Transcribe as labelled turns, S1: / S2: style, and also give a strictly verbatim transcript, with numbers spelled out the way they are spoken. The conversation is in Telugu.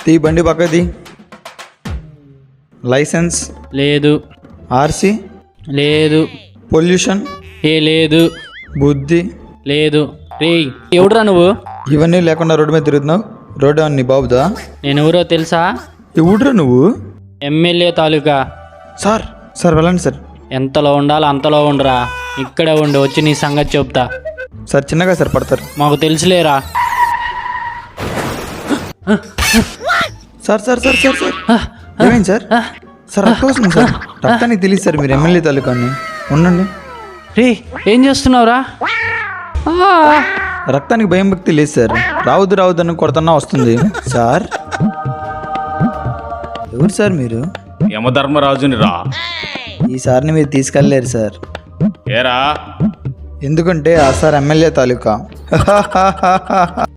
S1: తీ బండి పక్కది. లైసెన్స్
S2: లేదు.
S1: ఆర్సీ
S2: లేదు.
S1: పొల్యూషన్
S2: ఏ లేదు.
S1: బుద్ధి
S2: లేదు. రే ఎవడురా నువ్వు?
S1: ఇవన్నీ లేకుండా రోడ్డు మీద తిరుగుతున్నావు. రోడ్డు అన్ని బాబుదా?
S2: నేను ఎవరో తెలుసా?
S1: ఎవడురా నువ్వు?
S2: ఎమ్మెల్యే తాలూకా.
S1: సార్ సార్ వెళ్ళండి సార్.
S2: ఎంతలో ఉండాలో అంతలో ఉండరా. ఇక్కడే ఉండి వచ్చి నీ సంగతి చెప్తా.
S1: సార్ చిన్నగా సార్ పడతారు.
S2: మాకు తెలుసులేరా.
S1: Sir sir sir sir sir ఏమైంది సార్? సార్ రక్తం వస్తుంది సార్. రక్తానికి తెలియదు సార్ మీరు ఎమ్మెల్యే తాలూకాని. ఉండండి.
S2: రే ఏం చేస్తున్నావురా?
S1: రక్తానికి భయం భక్తి లేదు సార్. రావద్దు రావద్దు అని కొడుతున్నా వస్తుంది సార్. ఎవరు సార్ మీరు?
S3: యమధర్మరాజుని రా.
S1: ఈ సార్ని మీరు తీసుకెళ్ళలేరు సార్.
S3: ఏరా?
S1: ఎందుకంటే ఆ సార్ ఎమ్మెల్యే తాలూకా.